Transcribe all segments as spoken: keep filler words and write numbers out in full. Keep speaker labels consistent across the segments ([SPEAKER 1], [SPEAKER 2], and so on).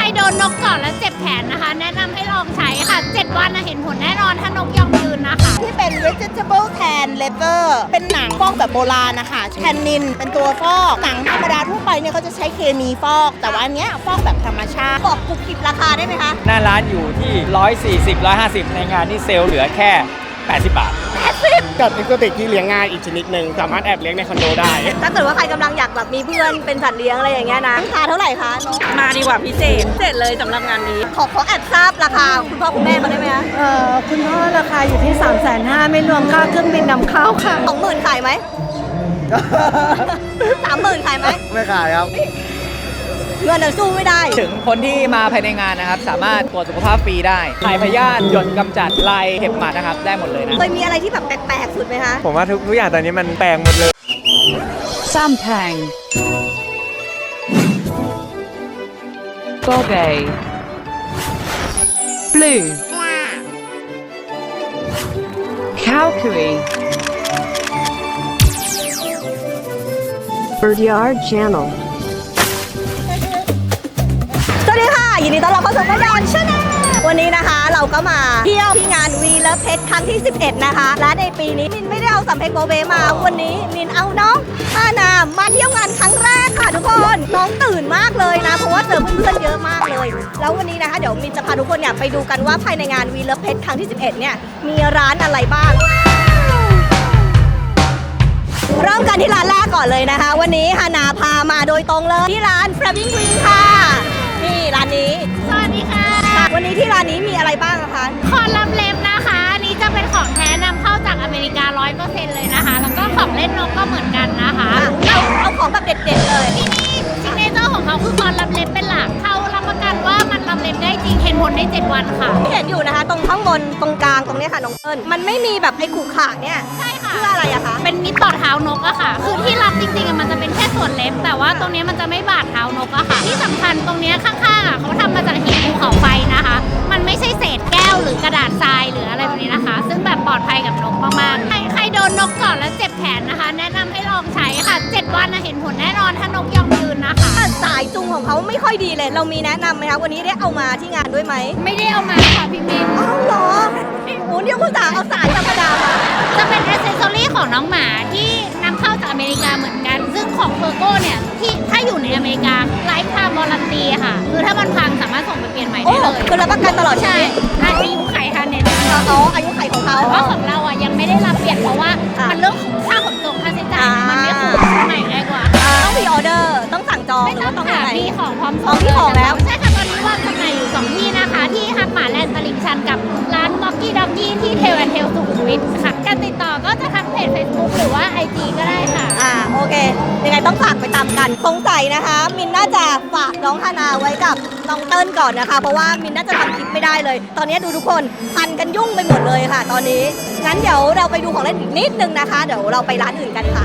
[SPEAKER 1] โดนนกก่อนแล้วเจ็บแขนนะคะแนะนำให้ลองใช้ค่ะเจ็ดวันนะเห็นผลแน่นอนถ้านกยอมยืนนะคะ
[SPEAKER 2] ที่เป็น vegetable tan leather เป็นหนังฟอกแบบโบราณนะคะแทนนินเป็นตัวฟอกหนังธรรมดาทั่วไปเนี่ยเขาจะใช้เคมีฟอกแต่ว่าอันเนี้ยฟอกแบบธรรมชาติ
[SPEAKER 3] บอกกุบกิบราคาได้ไหมคะ
[SPEAKER 4] หน้าร้านอยู่ที่หนึ่งร้อยสี่สิบ หนึ่งร้อยห้าสิบในงานนี่เซลล์เหลือแค่แปดสิบบาท
[SPEAKER 5] กับอีกติกที่เลี้ยงง่ายอีกชนิดหนึ่งสามารถแอบเลี้ยงในคอนโดได้
[SPEAKER 3] ถ้าเกิดว่าใครกำลังอยากแบบมีเพื่อนเป็นสัตว์เลี้ยงอะไรอย่างเงี้ยนะราคาเท่าไหร่คะน้อง
[SPEAKER 6] มาดีกว่าพิเศษพิเศษเลยสำหรับงานนี้
[SPEAKER 3] ขอขอแอบทราบราคาคุณพ่อคุณแม่มาได้ไหมคะ
[SPEAKER 7] เอ่อคุณพ่อราคาอยู่ที่ สามแสนห้าหมื่น ไม่รวมค่าเครื่องบินนำเข้าค่ะ
[SPEAKER 3] สองหมื่นขายไหม สามหมื่นขายไหม
[SPEAKER 5] ไม่ขายครับ
[SPEAKER 3] เงินสู้ไม่ได้
[SPEAKER 4] ถึงคนที่มาภายในงานนะครับสามารถตรวจสุขภาพฟรีได้ถ่ายพยาธิหยดกำจัดลายเห็บหมัดนะครับได้หมดเลยนะ
[SPEAKER 3] เคยมีอะไรที่แบบแปลกๆสุดไหมคะ
[SPEAKER 5] ผมว่าทุกทุกอย่างตอนนี้มันแปลงหมดเลย
[SPEAKER 8] ซัมแพงโบเบย์บลูคาวคุย
[SPEAKER 3] Birdyard Channel สวัสดีค่ะยินดีต้อนรับเข้าสู่ Birdyard Channel วันนี้นะคะเราก็มาเที่ยวที่งาน We Love Pet ครั้งที่สิบเอ็ดนะคะและในปีนี้มินไม่ได้เอาสัมเพกโบเบมาวันนี้มินเอาน้องฮานามาเที่ยวงานครั้งแรกค่ะทุกคนน้องตื่นมากเลยนะเพราะว่าเจอเพื่อนๆเยอะมากเลยแล้ววันนี้นะคะเดี๋ยวมินจะพาทุกคนเนี่ยไปดูกันว่าภายในงาน We Love Pet ครั้งที่สิบเอ็ดเนี่ยมีร้านอะไรบ้างเริ่มกันที่ร้านแรกก่อนเลยนะคะวันนี้ฮานาพามาโดยตรงเลยที่ร้าน Flaming Wing ค่ะนี่ร้านนี้
[SPEAKER 1] สวัสดีค่ะ
[SPEAKER 3] วันนี้ที่ร้านนี้มีอะไรบ้างคะ
[SPEAKER 1] คอนลับเล็บนะคะอันนี้จะเป็นของแท้นำเข้าจากอเมริกา ร้อยเปอร์เซ็นต์ เลยนะคะแล้วก็ของเล่นนกก็เหมือนกันนะคะ
[SPEAKER 3] เอาเอาของแบบเด็ดๆเลย
[SPEAKER 1] ที่นี่ซิกเนเจอร์ของเขาคือคอนลับเล็บเป็นหลักเขารับประกันว่ามันลับเล็บได้จริงเห็นผลในเจ็ดวันค่ะ
[SPEAKER 3] ที่เห็นอยู่นะคะตรงข้างบนตรงกลางตรงนี้ค่ะน้องเอิญมันไม่มีแบบไอ้ขู่ขาเนี่ย
[SPEAKER 1] ใช่ค่ะ
[SPEAKER 3] เพื่ออะไรอะคะ
[SPEAKER 1] เป็นมิตรต่อเท้านกอะค่ะคือที่รับจริงๆมันจะเป็นแค่ส่วนเล็บแต่ว่าตรงนี้มันจะไม่บาดเท้านกอะค่ะที่สำคัญตรงนี้ข้างๆอะเขาทำมาจากหินภูเขาไฟนะคะมันไม่ใช่เศษแก้วหรือกระดาษทรายหรืออะไรแบบนี้นะคะซึ่งแบบปลอดภัยกับนกมากๆใครใครโดนนกก่อนแล้วเจ็บแขนนะคะแนะนำให้ลองใช้ค่ะเจ็ดวันนะเห็นผลแน่นอนถ้านกยอมยืนนะคะ
[SPEAKER 3] สายจูงของเขาไม่ค่อยดีเลยเรามีแนะนำไหมคะวันนี้ได้เอามาที่งานด้วยไหม
[SPEAKER 1] ไม่ได้เอามาค่ะพี่มิน
[SPEAKER 3] อ้าวเหรอโอ้เดี๋ยวคุณจ๋าเอาสายธรรมดามา
[SPEAKER 1] จะเป็นอ c เซสซอรี่ของน้องหมาที่นำเข้าจากอเมริกาเหมือนกันซึ่งของเฟอร์โก้เนี่ยที่ถ้าอยู่ในอเมริกาไลฟ์ไทม์วอรันตีค่ะคือถ้ามันพังสามารถส่งไปเปลี่ยนใหม่ได้เลย
[SPEAKER 3] คือรับประกันตลอด
[SPEAKER 1] ใช่อายุไขค่ะเน็ต
[SPEAKER 3] อ๋ออายุไขของเขา
[SPEAKER 1] เพราะของเราอ่ะยังไม่ได้รับเปลี่ยนเพราะว่ามันเรื่องของค่าขนส่งค่าใช้จ่ายมันไม่คุ้มใหม่ง่ายกว่า
[SPEAKER 3] ต้องมีออเดอร์ต้องสั่งจอง
[SPEAKER 1] ไม่ต้องค่ะมีของพร้อม
[SPEAKER 3] ส่งที่ของแล้ว
[SPEAKER 1] ใช่ค่ะตอนนี้วางจำหน่ายอยู่สองที่นะคะที่ฮักหมาแลนด์ตลิ่งชันกับร้านม็อกกี้ด็อกกี้ที่เทลแอนเทลสุขุมวิทค่ะการติดต่อก็จะทักเพจ Facebook หรือว่า ไอ จี ก็ได้ค่ะ
[SPEAKER 3] อ่าโอเคยังไงต้องฝากไปตามกันสงสัยนะคะมินน่าจะฝากน้องฮานาไว้กับน้องเติ้ลก่อนนะคะเพราะว่ามินน่าจะทำคลิปไม่ได้เลยตอนนี้ดูทุกคนพันกันยุ่งไปหมดเลยค่ะตอนนี้งั้นเดี๋ยวเราไปดูของเล่นอีกนิดนึงนะคะเดี๋ยวเราไปร้านอื่นกันค่ะ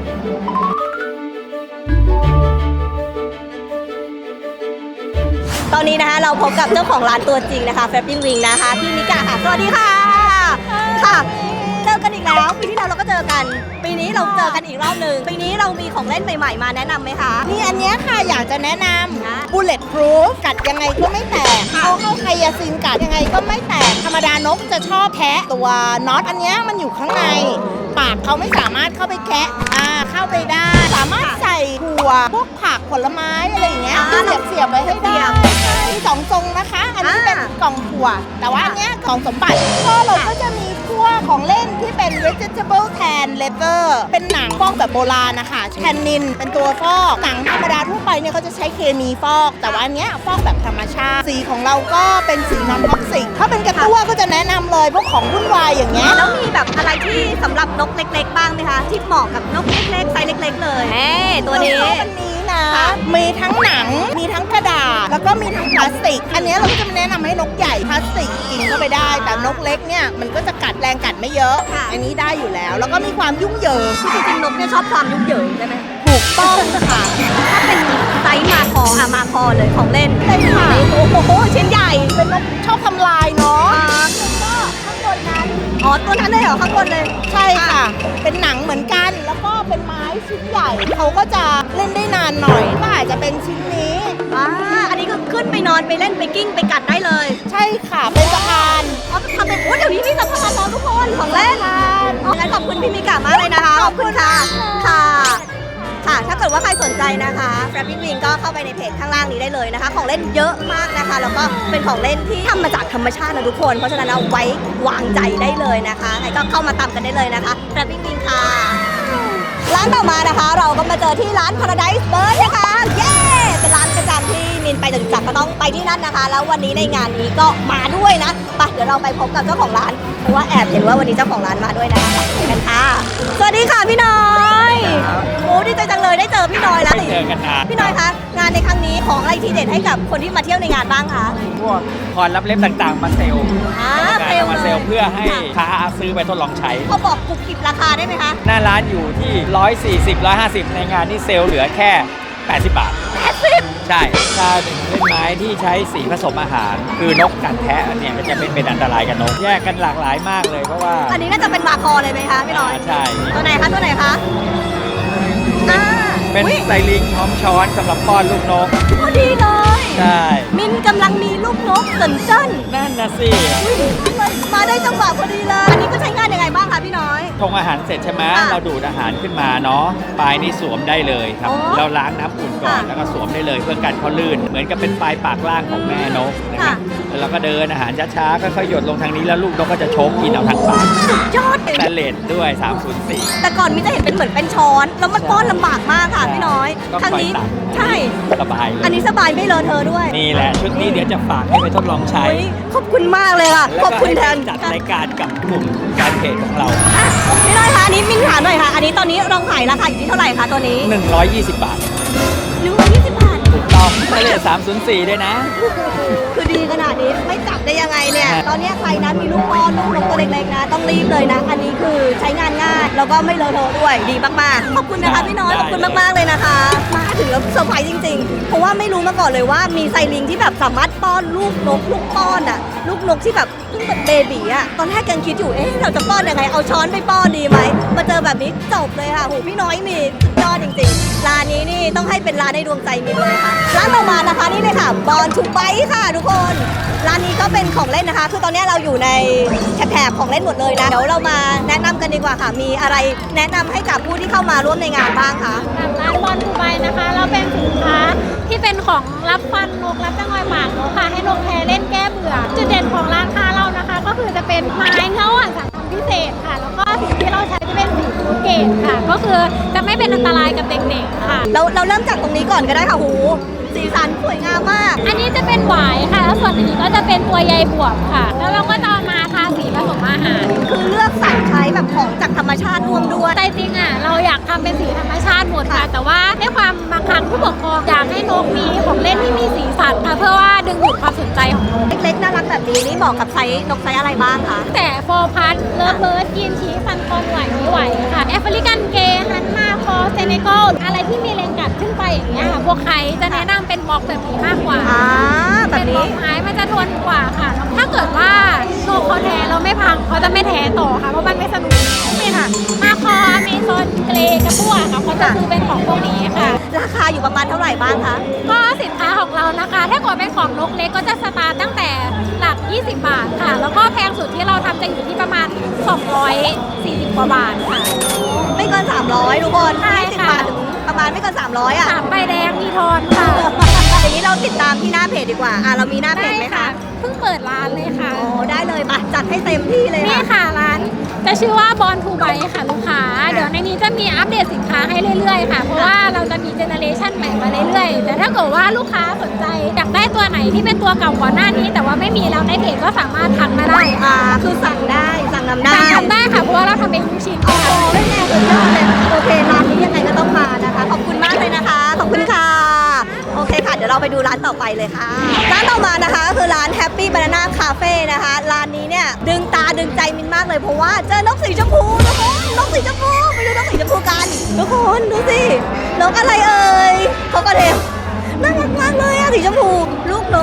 [SPEAKER 3] ตอนนี้นะคะเราพบกับเจ้าของร้านตัวจริงนะคะ Flaming Wing นะคะพี่นิกาค่ะสวัสดีค่ะค่ะเจอกันอีกแล้วปีที่แล้วเราก็เจอกันปีนี้เราเจอกันอีกรอบหนึ่งปีนี้เรามีของเล่นใหม่ๆมาแนะนำไหมคะ
[SPEAKER 2] มีอันนี้ค่ะอยากจะแนะนำ bullet proof กัดยังไงก็ไม่แตกเอาเข้าไคยาซินกัดยังไงก็ไม่แตกธรรมดานกจะชอบแคะตัวน็อตอันนี้มันอยู่ข้างในปากเขาไม่สามารถเข้าไปแคะอ่าเข้าไปได้สามารถใส่ถั่วพวกผักผลไม้อะไรอย่างเงี้ยเสียบเสียบไว้ให้ได้มีสองทรงนะคะอันนี้เป็นกล่องถั่วแต่ว่าอันเนี้ยกล่องสมบัติก็เราก็จะมีพวกของเล่นที่เป็น vegetable tan leather เป็นหนังฟอกแบบโบราณนะคะแทนนินเป็นตัวฟอกหนังธรรมดาทั่วไปเนี่ยเขาจะใช้เคมีฟอกแต่ว่าอันเนี้ยฟอกแบบธรรมชาติสีของเราก็เป็นสีนอนท็อกซิกถ้าเป็นกระตั้วก็จะแนะนำเลยพวกของวุ่นวายอย่างเงี้ย
[SPEAKER 3] แล้วมีแบบอะไรที่สำหรับนกเล็กๆบ้างไหมคะที่เหมาะกับนกเล็กๆไซส์เล็กๆเลยแหมตัวนี้
[SPEAKER 2] วันนี้นะมีทั้งหนังมีทั้งกระดาษแล้วก็มีทั้งพลาสติกอันนี้เราก็จะแนะนำให้นกใหญ่พลาสติกกินเข้าไปได้แต่นกเล็กเนี่ยมันก็จะกัดแรงกัดไม่เยอะอันนี้ได้อยู่แล้วแล้วก็มีความยุ่งเหยิง
[SPEAKER 3] จริงๆนกเนี่ยชอบความยุ่งเหยิงใช่ไหม
[SPEAKER 2] ถูกต้องค่ะ
[SPEAKER 3] ถ้าเป็นไซส์มาคออะมาคอเลยของเล่น
[SPEAKER 2] เลยค่ะ
[SPEAKER 3] โอ้โหชิ้นใหญ่
[SPEAKER 2] เป็นนกชอบทำลายเนาะก็ข้างบนนั้นอ๋อ
[SPEAKER 3] อตัวนั้นเลยเหรอข้างบนเลย
[SPEAKER 2] ใช่ค่ะ เป็นหนังเหมือนกัน แล้วก็เป็นไม้ชิ้นใหญ่ เขาก็จะเล่นได้นานหน่อยก็อาจจะเป็นชิ้นนี้
[SPEAKER 3] อ่าอันนี้ก็ขึ้นไปนอนไปเล่นไปกิ้งไปกัดได้เลย
[SPEAKER 2] ใช่ค่ะ เป็นสะพาน
[SPEAKER 3] อ๋อทำเป็นโอ้เดี๋ยวนี้มีสะพานแล้วทุกคนของเล่นอ๋องั้นขอบคุณพี่มิกามากเลยนะคะ ขอบคุณค่ะ ค่ะ ค่ะ ถ้าเกิดว่าใครสนใจนะคะ Flapping Wing ก็เข้าไปในเพจข้างล่างนี้ได้เลยนะคะ ของเล่นเยอะมากนะคะ แล้วก็เป็นของเล่นที่ทำมาจากธรรมชาตินะทุกคน เพราะฉะนั้นเอาไว้วางใจได้เลยนะคะไงก็เข้ามาตามกันได้เลยนะคะ Flapping Wing ค่ะ ร้านต่อมานะคะ เราก็มาเจอที่ร้าน Paradise Bird นะคะ เย้ เป็นร้านประจำที่มินไปจตุจักรก็ต้องไปที่นั่นนะคะ แล้ววันนี้ในงานนี้ก็มาด้วยนะไปเดี๋ยวเราไปพบกับเจ้าของร้าน เพราะว่าแอบเห็นว่าวันนี้เจ้าของร้านมาด้วยนะคะไปกันค่ะ สวัสดีค่ะพี่น้อยโอ้ดีใจจังเลยได้เจอพี่น้อยแล้ว
[SPEAKER 4] เจอกันนาน
[SPEAKER 3] พี่น้อยคะงานในครั้งนี้ของอะไรทีเด็ดให้กับคนที่มาเที่ยวในงานบ้างคะ
[SPEAKER 4] พวกคอนรับเล่มต่างๆ มาเซลล์
[SPEAKER 3] อ่า
[SPEAKER 4] การ
[SPEAKER 3] เซลล์
[SPEAKER 4] เอามาเซลล์
[SPEAKER 3] เลย
[SPEAKER 4] เพื่อให้ค้าซื้อไปทดลองใช้
[SPEAKER 3] เขาบอกกุบกิบราคาได้ไหมคะ
[SPEAKER 4] หน้าร้านอยู่ที่ หนึ่งร้อยสี่สิบ หนึ่งร้อยห้าสิบ ในงานนี่เซลล์เหลือแค่ แปดสิบบาท
[SPEAKER 3] แปดสิบ
[SPEAKER 4] ใช่ถ้าเป็นเล่นไม้ที่ใช้สีผสมอาหาร คือนกกัดแทะเนี่ยก็จะเป็นเป็นอันตรายกับนก แยกกันหลากหลายมากเลยเพราะว่า
[SPEAKER 3] อันนี้น่าจะเป็นวาคอเลยไหมคะพี่น้อย
[SPEAKER 4] ใช่
[SPEAKER 3] ตัวไหนคะตัวไหนคะอ่า
[SPEAKER 4] เป็น
[SPEAKER 3] อุ๊ย
[SPEAKER 4] ไซลิงพร้อมช้อนสำหรับป้อนลูกนก
[SPEAKER 3] พอดีเลย
[SPEAKER 4] ใช่
[SPEAKER 3] มินกำลังมีลูกนกสนเจิ้น
[SPEAKER 4] นั่นนะสิ
[SPEAKER 3] อุ๊ยมาได้จังหวะพอดีเลย อันนี้ก็ใช้งานยังไงบ้างคะพี่น้อย
[SPEAKER 4] ชงอาหารเสร็จใช่ไหม
[SPEAKER 3] ค่ะ
[SPEAKER 4] เราดูดอาหารขึ้นมาเนาะปลายนี่สวมได้เลยครับ
[SPEAKER 3] อ๋อ
[SPEAKER 4] เราล้างน้ำอุ่นก่อน
[SPEAKER 3] ค่ะ
[SPEAKER 4] แล้วก็สวมได้เลยเพื่อกันเขาลื่น เหมือนกับเป็นปลายปากล่างของแม่นกนะครับ
[SPEAKER 3] ค่ะ
[SPEAKER 4] แล้วเราก็เดินอาหารช้าๆค่อยๆหยดลงทางนี้แล้วลูกนกก็จะโชกกินเอาทางปาก
[SPEAKER 3] สุดยอด
[SPEAKER 4] สแตนเลสด้วย สามศูนย์สี่
[SPEAKER 3] แต่ก่อนมินจะเห็นเป็นเหมือนเป็นช้อน แล้วมันป้อนลำบากมากค่ะพี่น้อย
[SPEAKER 4] ก็
[SPEAKER 3] ครั้งนี้
[SPEAKER 4] คอยตัก
[SPEAKER 3] ใช่
[SPEAKER 4] สบายเลย
[SPEAKER 3] อันนี้สบายไม่เลอะเทอะด้วย
[SPEAKER 4] นี่แหละชุดนี้เดี๋ยวจะฝากให้ไปทดลองใช้
[SPEAKER 3] อุ๊ยขอบคุณมากเลยค่ะ
[SPEAKER 4] แล้ว
[SPEAKER 3] ขอบ
[SPEAKER 4] ก็
[SPEAKER 3] คุณ
[SPEAKER 4] ให้
[SPEAKER 3] แท
[SPEAKER 4] ไป
[SPEAKER 3] น
[SPEAKER 4] จัดรายการกับกลุ่มการเพจของเรา
[SPEAKER 3] อ่ะพี่น้อยคะอันนี้มินถามหน่อยค่ะ อันนี้ตอนนี้เราขายราคาอยู่ที่เท่าไหร่คะตัวนี้
[SPEAKER 4] หนึ่งร้อยยี่สิบบาท
[SPEAKER 3] หนึ่งร้อยยี่สิบบาท
[SPEAKER 4] ถูกต้องสแตนเลสสามศูนย์สี่ด้วยนะ
[SPEAKER 3] คือดีขนาดนี้ไม่จับได้ยังไงเนี่ย ตอนนี้ใครนะมีลูกป้อนลูกนกตัวเล็กๆนะ ต้องรีบเลยนะ อันนี้คือใช้งานง่าย แล้วก็ไม่เลอะเทอะด้วย ดีมากๆ ขอบคุณนะคะพี่น้อย
[SPEAKER 4] ได้
[SPEAKER 3] ขอบคุณมากๆเลยนะคะ มาถึงแล้วเซอร์ไพรส์จริงๆ เพราะว่าไม่รู้มาก่อนเลยว่ามีไซลิงที่แบบสามารถป้อนลูกนกลูกป้อนอ่ะ ลูกนกที่แบบเพิ่งเป็นเบบีอ่ะ ตอนแรกยังคิดอยู่ เอ๊ะเราจะป้อนยังไง เอาช้อนไปป้อนดีไหม มาเจอแบบนี้จบเลยค่ะโหพี่น้อยมีสุดยอดจริงๆ ร้านนี้นี่ต้องให้เป็นร้านในดวงใจมินเลยค่ะ ร้านต่อมานะคะนี่เลยค่ะบอลทูไบค่ะทุกคน ร้านนี้ก็เป็นของเล่นนะคะ คือตอนนี้เราอยู่ในแถบๆของเล่นหมดเลยนะ เดี๋ยวเรามาแนะนำกันดีกว่าค่ะ มีอะไรแนะนำให้กับผู้ที่เข้ามาร่วมในงานบ้างคะ
[SPEAKER 1] ร้านบอลดูไบนะคะ เราเป็นสินค้าที่เป็นของรับฟันนกรับจ้างอยหมากนกค่ะ ให้นกแพรเล่นแก้เบื่อ จุดเด่นของร้านค้าเรานะคะ ก็คือจะเป็นไม้เงาอ่อนสังทำพิเศษค่ะ แล้วก็สีที่เราใช้จะเป็นสีฟูดเกตค่ะ ก็คือจะไม่เป็นอันตรายกับเด็กๆค่ะ
[SPEAKER 3] เราเราเริ่มจากตรงนี้ก่อนก็ได้ค่ะหูสีสันสวยงามมาก
[SPEAKER 1] อันนี้จะเป็นหวายค่ะ แล้วส่วนอันนี้ก็จะเป็นตัวใยบวบค่ะ แล้วเราก็จะเอามาทาสีผสมอาหาร
[SPEAKER 3] คือเลือกสรรใช้แบบของจากธรรมชาติร่วมด้วย
[SPEAKER 1] แต่จริงอ่ะเราอยากทำเป็นสีธรรมชาติหมดค่ะ แต่ว่าในความบางครั้งผู้ปกครองอยากให้นกมีของเล่นที่มีสีสันค่ะ เพื่อว่าดึงดูดความสนใจของนก
[SPEAKER 3] เล็กๆน่ารักแบบนี้นี่เหมาะกับไซส์นกไซส์อะไรบ้างคะ
[SPEAKER 1] แต่โฟร์พัทเลิฟเบิร์ดกินชีฟันคอนไหวไม่ไหวค่ะแอฟริกันเกย์ฮันมาคอเซเนกัลอะไรที่มีเลงกัดขึ้นไปอย่างเงี้ยค่ะพวกใครจะแนะนำเป็นบล็อกแบบนี้มากกว่า
[SPEAKER 3] อ่าแบ
[SPEAKER 1] เป็
[SPEAKER 3] บ
[SPEAKER 1] นบล็
[SPEAKER 3] นี้
[SPEAKER 1] อกไม้มันจะทนกว่าค่ะ ถ้าเกิดว่านกเขาแท้เราไม่พังเขาจะไม่แท้ต่อค่ะเพราะมันไม่สนุกนี่ค่ะมาคออเมซอนเกรกระปั้วค่ะเขาจะซื้อเป็นของพวกนี้ค่ะ
[SPEAKER 3] ราคาอยู่ประมาณเท่าไหร่บ้างคะ
[SPEAKER 1] ก็สินค้าของเรานะคะ ถ้าเกิดเป็นของนกเล็กก็จะสตาร์ตตั้งแต่หลัก ยี่สิบบาทค่ะ แล้วก็แพงสุดที่เราทำจะอยู่ที่ประมาณ สองร้อยสี่สิบ กว่าบาทค่ะ
[SPEAKER 3] ไม่เกินสามร้อยทุกคน
[SPEAKER 1] ใช่
[SPEAKER 3] ยี่สิบ
[SPEAKER 1] ค่ะ
[SPEAKER 3] บาทถึงประมาณไม่เกินสามร้อยอ่ะ
[SPEAKER 1] สามใบแดงมีทอนค่ะ
[SPEAKER 3] อย่างนี้เราติดตามที่หน้าเพจดีกว่า อ่ะเรามีหน้าเพจไหมคะ
[SPEAKER 1] เพิ่งเปิดร้านเลยค่ะ
[SPEAKER 3] โอ้ได้เลยมาจัดให้เต็มที่เลย
[SPEAKER 1] นี่
[SPEAKER 3] ค่ะ
[SPEAKER 1] ค่ะร้านจะชื่อว่าบอลทูไบค่ะลูกค้า เดี๋ยวในนี้จะมีอัปเดตสินค้าให้เรื่อยๆค่ะ เพราะว่าเราจะมีเจเนอเรชันใหม่มาเรื่อยๆ แต่ถ้าเกิดว่าลูกค้าสนใจอยากได้ตัวไหนที่เป็นตัวเก่าก่อนหน้านี้ แต่ว่าไม่มีแล้วในเพจก็สามารถทักมาได้
[SPEAKER 3] อ่าคือสั่งได้สั่งนำได้
[SPEAKER 1] สั่งทำได้ค่ะเพราะว่าเราทำเป็นทุกชิ้น
[SPEAKER 3] โอ้
[SPEAKER 1] ค่ะ
[SPEAKER 3] โหไม่แน่สุดยอดเลยโอเคร้านนี้ยังไงก็ต้องมานะคะ ขอบคุณมากเลยนะคะ ขอบคุณค่ะ โอเคค่ะ เดี๋ยวเราไปดูร้านต่อไปเลยค่ะ ร้านต่อมานะคะก็คือร้าน Happy Banana Cafe นะคะ ร้านนี้เนี่ยดึงตาดึงใจมินมากเลยเพราะว่าเจอนกสีชมพูทุกคนนกสีชมพูไปดูนกสีชมพูกันทุกคนดูสินกอะไรเอ่ยเขาก็เทมน่ารักมากเลยอะสีชมพูลูกนกนะคะ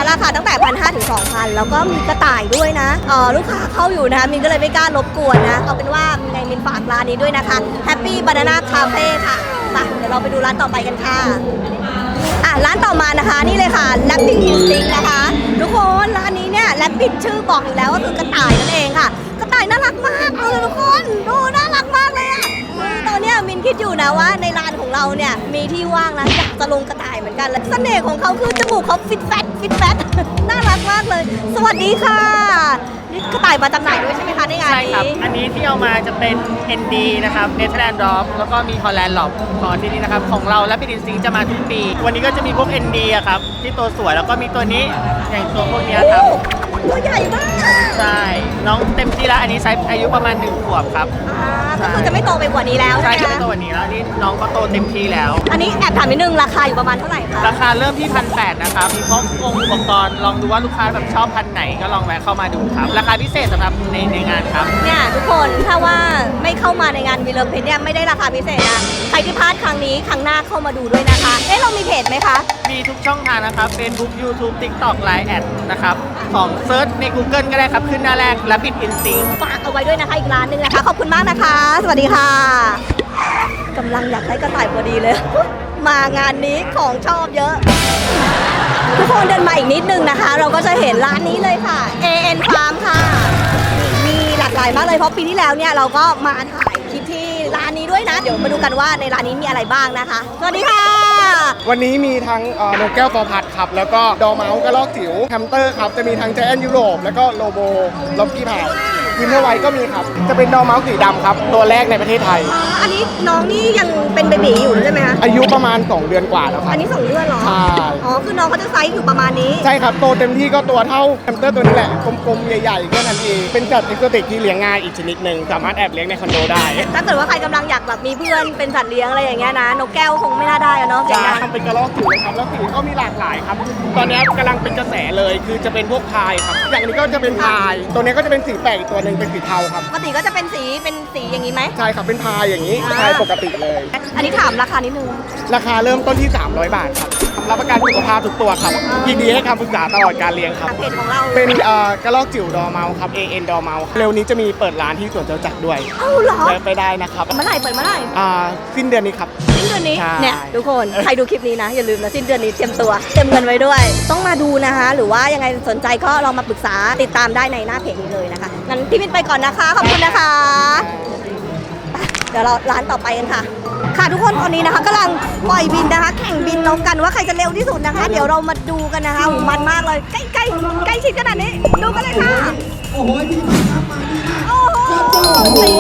[SPEAKER 3] ราคาตั้งแต่พันห้าถึงสองพันแล้วก็มีกระต่ายด้วยนะเออลูกค้าเข้าอยู่นะมินก็เลยไม่กล้ารบกวนนะเอาเป็นว่าไงมินฝากร้านนี้ด้วยนะคะ Happy Banana Cafe ค่ะไปเดี๋ยวเราไปดูร้านต่อไปกันค่ะอ่ะร้านต่อมานะคะนี่เลยค่ะ Rabbit Instinct นะคะทุกคนร้านนี้เนี่ย Rabbit ชื่อบอกอยู่แล้วว่าคือกระต่ายนั่นเองค่ะกระต่ายน่ารักมากเลยทุกคนดูน่ารักมากเลยอ่ะตอนเนี้ยมินคิดอยู่นะว่าในร้านของเราเนี่ยมีที่ว่างนะอยากจะลงกระต่ายเหมือนกันและเสน่ห์ของเขาคือจมูกเขาฟิตแฟตฟิตแฟต น่ารักมากเลย สวัสดีค่ะนี่กระต่ายมาจำหน่ายด้วยใช่ไหมคะในงาน
[SPEAKER 9] ใช่
[SPEAKER 3] นี้
[SPEAKER 9] ครับ อันนี้ที่เอามาจะเป็น เอ็น ดี นะครับ Netherland Drop แล้วก็มี Holland Lob ของที่นี่นะครับ ของเราและพิดินซิงจะมาทุกปี วันนี้ก็จะมีพวก เอ็น ดี อะครับ ที่ตัวสวยแล้วก็มีตัวนี้ อย่างตัวพวกเนี้ยครับ
[SPEAKER 3] ตัวใหญ่มาก
[SPEAKER 9] ใช่ น้องเต็มที่แล้ว อันนี้ไซส์อายุประมาณหนึ่งขวบครับ
[SPEAKER 3] อ่าก็คือจะไม่โตไปกว่านี้แล้ว
[SPEAKER 9] ใช่
[SPEAKER 3] ใช่ไหม
[SPEAKER 9] จะ
[SPEAKER 3] คะ
[SPEAKER 9] เป็นตัวนี้แล้วอันนี้น้องก็โตเต็มที่แล้ว
[SPEAKER 3] อันนี้แอบถามนิดนึงราคาอยู่ประมาณเท่าไหร่คะ
[SPEAKER 9] ราคาเริ่มที่พันแปดนะครับ มีพร้อมองค์อุปกรณ์ ลองดูว่าลูกค้าแบบชอบพันไหนก็ลองแวะเข้ามาดูครับ ราคาพิเศษสำหรับในในงานครับ
[SPEAKER 3] เนี่ยทุกคนถ้าว่าไม่เข้ามาในงานวีเลอร์เพจเนี่ยไม่ได้ราคาพิเศษนะใครที่พลาดครั้งนี้ครั้งหน้าเข้ามาดูด้วยนะคะเอ๊ะเรามีเพจไหมคะ
[SPEAKER 9] มีทุกช่องทางนะครับ Facebook YouTube TikTok ไลน์ แอดนะครับ ของเซิร์ชใน Google ก็ได้ครับ ขึ้นหน้าแรก Rabbit Instinct
[SPEAKER 3] ฝากเอาไว้ด้วยนะคะอีกร้านหนึ่งนะคะ ขอบคุณมากนะคะ สวัสดีค่ะกำลังอยากได้กระต่ายพอดีเลย มางานนี้ของชอบเยอะ ทุกคนเดินมาอีกนิดนึงนะคะ เราก็จะเห็นร้านนี้เลยค่ะ เอ เอ็น Farm ค่ะ มีหลากหลายมากเลยเพราะปีที่แล้วเนี่ยเราก็มาถ่ายคลิปที่ร้านนี้ด้วยนะ เดี๋ยวมาดูกันว่าในร้านนี้มีอะไรบ้างนะคะ สวัสดีค่ะ
[SPEAKER 5] วันนี้มีทั้งเอ่อนกแก้วฟอร์พัดครับ แล้วก็ดอร์เมาส์กระรอกจิ๋วแฮมสเตอร์ครับ จะมีทั้งแจแอนยุโรปแล้วก็โลโบล็อกกี้พายวินเทอร์ไวท์ก็มีครับ จะเป็นดอร์เมาส์สีดำครับ ตัวแรกในประเทศไทย
[SPEAKER 3] อันนี้น้องนี่ยังเป็นเบบีอยู่ใช่ไหมคะ
[SPEAKER 5] อายุประมาณ สอง เดือนกว่าแล้วครั
[SPEAKER 3] อั
[SPEAKER 5] บ
[SPEAKER 3] นนี้สองเดือนเหรอ
[SPEAKER 5] ใช่
[SPEAKER 3] อ๋อ คือน้องเขาจะไซส์อยู่ประมาณนี้
[SPEAKER 5] ใช่ครับ โตเต็มที่ก็ตัวเท่าแฮมสเตอร์ตัวนี้แหละ กลมๆ ใหญ่ๆแค่นั้นเองเป็นสัตว์เอ็กโซติกที่เลี้ยงง่ายอีกชนิดหนึ่งสามารถแอบเลี้ยงในคอนโดได้
[SPEAKER 3] ถ้าเกิดว่าใครกำลังอยากแบบมีเพื่อนเป็นสัตว์เลี้ยงอะไรอย่างเงี้ยนะ นกแก้วคงไม่น่าได้อะเนาะเสียง
[SPEAKER 5] จะ
[SPEAKER 3] ดัง
[SPEAKER 5] ทำเป็นกระรอกจิ๋วเลยครับ แล้วสีก็มีหลากหลายครับ ตอนนี้กำลังเป็นกระแสเลย คือจะเป็นพวกพายครับ อย่างนี้ก็จะเป็นพาย ตัวนี้ก็จะเป็นสีแปลกอีกตัวหนึ่งเป็นสีเทาครับ
[SPEAKER 3] ปกติก็จะเป็นสีเป็นสีอย่างนี้ไหม
[SPEAKER 5] ใช่ครับ เป็นพายอย่างนี้
[SPEAKER 3] อ่า
[SPEAKER 5] พายปกติเลย
[SPEAKER 3] อันนี้ถามราคานิดนึง
[SPEAKER 5] ราคาเริ่มต้นที่ สามร้อย บาทครับ รับประกันสุขภาพทุกตัวครับ ยินดีให้คำปรึกษาตลอดการเลี้ยงครับ
[SPEAKER 3] เพจของเรา
[SPEAKER 5] เป็นเอ่อกระรอกจิ๋วดอร์เมาส์ครับ เอ เอ็น ดอร์เมาส์เร็วนี้จะมีเปิดร้านที่สวนจตุจักรด้วย
[SPEAKER 3] เอ้าเหรอ
[SPEAKER 5] แวะไปได้นะครับ
[SPEAKER 3] เมื่อไหร่เปิดเมื่อไหร่
[SPEAKER 5] อ่าสิ้นเดือนนี้ครับ
[SPEAKER 3] สิ้นเดือนนี้
[SPEAKER 5] ใช่
[SPEAKER 3] เนี่ยทุกคนใครดูคลิปนี้นะ อย่าลืมนะสิ้นเดือนนี้เตรียมตัวเตรียมเงินไว้ด้วย ต้องมาดูนะคะ หรือว่ายังไงสนใจก็ลองมาปรึกษาติดตามได้ในหน้าเพจนี้เลยนะคะงั้นพี่มินไปก่อนนะคะขอบคุณนะคะไปเดี๋ยวเราร้านต่อไปกันค่ะ ค่ะทุกคนตอนนี้นะคะกำลังปล่อยบินนะคะ แข่งบินนกกันว่าใครจะเร็วที่สุดนะคะ เดี๋ยวเรามาดูกันนะคะโอ้โหมันมากเลยใกล้ใกล้ใกล้ชิดขนาดนี้ดูกันเลยค่ะโอ้โหโอ้โห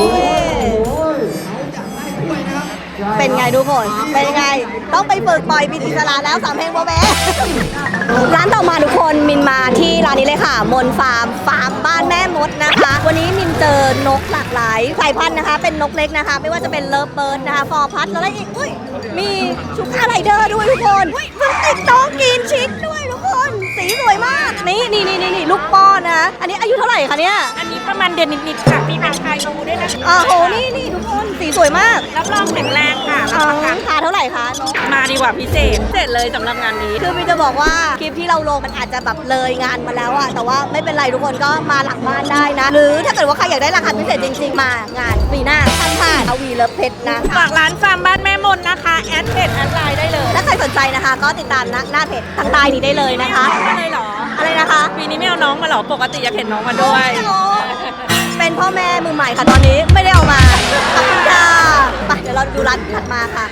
[SPEAKER 3] เป็นไงทุกคนเป็นไงต้องไปฝึกปล่อยบินอิสระแล้วสามเพลงโบเบ้ ร้านต่อมาทุกคนมินมาที่ร้านนี้เลยค่ะมนฟาร์มฟาร์มบ้านแม่มดนะคะ วันนี้มินเจอนกหลากหลายสายพันธุ์นะคะ เป็นนกเล็กนะคะ ไม่ว่าจะเป็นเลิฟเบิร์ดนะคะฟอร์พัดแล้วอะไรอีกอุ้ยมีชุก้าไรเดอร์ด้วยทุกคนอุ้ยมันติดน้องกินชิคด้วยทุกคนสีสวยมากนี่นี่นี่นี่ลูกป้อนนะอันนี้อายุเท่าไหร่คะเนี่ย
[SPEAKER 6] อันนี้ประมาณเดือนนิดๆค่ะมีพันคายนูด้วยนะคะ
[SPEAKER 3] อ้าวโหนี่นี่ทุกคนสีสวยมาก
[SPEAKER 6] รับรองแข็งแรงค่ะ
[SPEAKER 3] อ๋อราคาเท่าไหร่คะนก
[SPEAKER 6] มาดีกว่าพิเศษพิเศษเลยสำหรับงานนี้
[SPEAKER 3] คือมินจะบอกว่าคลิปที่เราลงมันอาจจะแบบเลยงานมาแล้วอะแต่ว่าไม่เป็นไรทุกคนก็มาหลังบ้านได้นะ หรือถ้าเกิดว่าใครอยากได้ราคาพิเศษจริงๆ มางานปีหน้าท่านผ่านเอาวีเลิฟเพชรนะ
[SPEAKER 6] ฝากร้านฟาร์มบ้านแม่มนนะคะ แอดเพจแอดไลน์ได้เลย
[SPEAKER 3] ถ้าใครสนใจนะคะ ก็ติดตามหน้าหน้าเพจทางใต้นี้ได้เลยนะคะ
[SPEAKER 6] ไม่เลยเหรอ
[SPEAKER 3] อะไรนะคะ
[SPEAKER 6] ปีนี้ไม่เอาน้องมาเหรอ ปกติอยากเห็นน้องมาด้วย
[SPEAKER 3] เป็นพ่อแม่มือใหม่ค่ะตอนนี้ไม่ได้เอามาขอบคุณค่ะไปเดี๋ยวเราดูร้านถัดมาค่ะ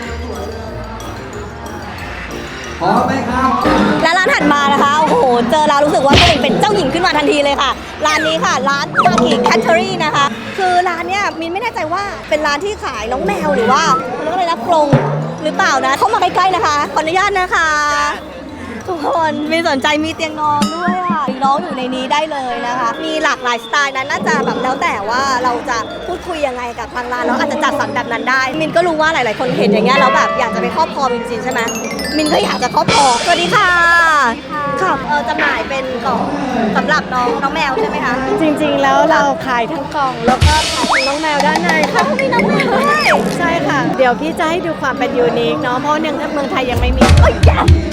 [SPEAKER 3] และร้านถัดมานะคะโอ้โหเจอเรารู้สึกว่าตัวเองเป็นเจ้าหญิงขึ้นมาทันทีเลยค่ะ ร้านนี้ค่ะร้านมากิแคทเทอรี่นะคะคือร้านเนี้ยมินไม่แน่ใจว่าเป็นร้านที่ขายน้องแมวหรือว่าเรียกว่าอะไรนะกรงหรือเปล่านะเข้ามาใกล้ๆนะคะขออนุญาตนะคะ ทุกคนมีสนใจมีเตียงนอนด้วยอ่ะน้องอยู่ในนี้ได้เลยนะคะ มีหลากหลายสไตล์นั้นน่าจะแบบแล้วแต่ว่าเราจะพูดคุยยังไงกับทางร้านเราอาจจะจัดสรรแบบนั้นได้ มินก็รู้ว่าหลายๆคนเห็นอย่างเงี้ยแล้วแบบอยากจะไปครอบครองจริงๆใช่ไหมมินก็อยากจะครอบครองสวัสดีค่ะค่ะเออจำหน่ายเป็นกล่องสำหรับน้องน้องแมวใช่ไหมคะ
[SPEAKER 7] จริงๆ แล้วเราขายทั้งกล่อง แล้วก็ขายทั้งน้องแมวด้านในค่ะ
[SPEAKER 3] มีน้องแมวด้วย
[SPEAKER 7] ใช่ค่ะ เดี๋ยวพี่จะให้ดูความเป็นยูนิคเนาะเพราะเนื่องจากเมืองไทยยังไม่มี
[SPEAKER 3] โอ้ยแย่